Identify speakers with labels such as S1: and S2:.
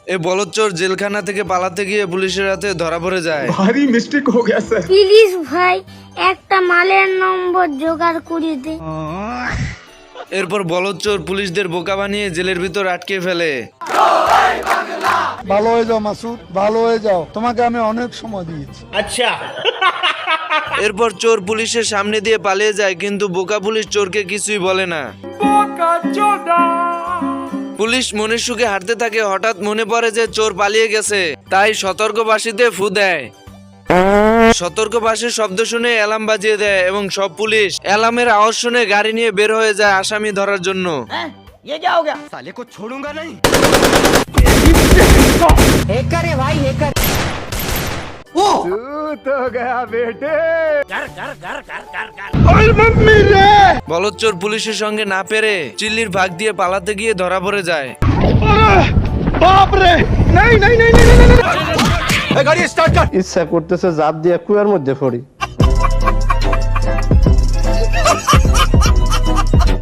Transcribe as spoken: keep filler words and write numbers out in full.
S1: এ বলদচোর জেলখানা থেকে পালাতে গিয়ে পুলিশের হাতে ধরা পড়ে যায়।
S2: ভারী মিস্টেক হো গয়া স্যার।
S3: প্লিজ ভাই একটা মালের নম্বর জোগাড় করে দে।
S1: এরপর বলদচোর পুলিশদের বোকা বানিয়ে জেলের ভিতর আটকে ফেলে।
S4: ভালো হয়ে যাও মাসুদ, ভালো হয়ে যাও, তোমাকে আমি অনেক সময় দিয়েছি।
S1: এরপর চোর পুলিশের সামনে দিয়ে পালিয়ে যায়, কিন্তু বোকা পুলিশ চোরকে কিছুই বলে না। পুলিশ মনের সুখে হাঁটতে থাকে, হঠাৎ মনে পড়ে যে চোর পালিয়ে গেছে, তাই সতর্কবাসীতে ফু দেয়। সতর্কবাসীর শব্দ শুনে অ্যালার্ম বাজিয়ে দেয় এবং সব পুলিশ অ্যালার্মের আওয়াজ শুনে গাড়ি নিয়ে বের হয়ে যায় আসামি ধরার জন্য।
S5: साले को छोड़ूंगा नहीं।
S1: বলদচোর পুলিশের সঙ্গে না পেরে চিল্লির ভাগ দিয়ে পালাতে গিয়ে ধরা পড়ে যায়।
S4: ইচ্ছা করতেছে জাপ দিয়ে কুয়ার মধ্যে পড়ি।